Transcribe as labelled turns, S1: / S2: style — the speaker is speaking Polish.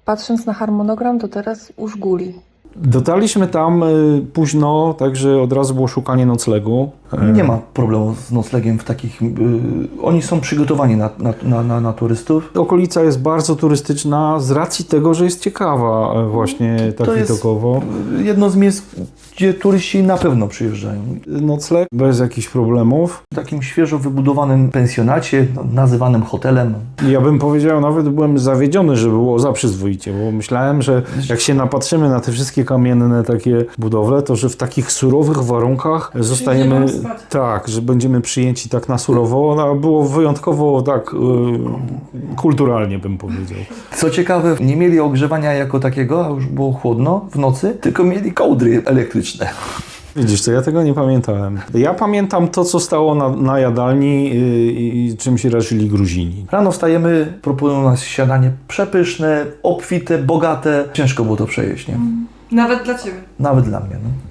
S1: Patrząc na harmonogram, to teraz u Żguli.
S2: Dotarliśmy tam późno, także od razu było szukanie noclegu.
S3: Nie ma problemu z noclegiem w takich... oni są przygotowani na turystów.
S2: Okolica jest bardzo turystyczna z racji tego, że jest ciekawa właśnie tak widokowo.
S3: Jedno z miejsc, gdzie turyści na pewno przyjeżdżają.
S2: Nocleg bez jakichś problemów.
S3: W takim świeżo wybudowanym pensjonacie, nazywanym hotelem.
S2: Ja bym powiedział, nawet byłem zawiedziony, że było za przyzwoicie, bo myślałem, że jak się napatrzymy na te wszystkie kamienne takie budowle, to że w takich surowych warunkach zostajemy, tak, że będziemy przyjęci tak na surowo, a było wyjątkowo tak kulturalnie bym powiedział.
S3: Co ciekawe, nie mieli ogrzewania jako takiego, a już było chłodno w nocy, tylko mieli kołdry elektryczne.
S2: Widzisz, to ja tego nie pamiętałem. Ja pamiętam to, co stało na jadalni i czym się raczyli Gruzini.
S3: Rano wstajemy, proponują nas śniadanie przepyszne, obfite, bogate. Ciężko było to przejeść, nie?
S4: Nawet dla Ciebie.
S3: Nawet dla mnie. No.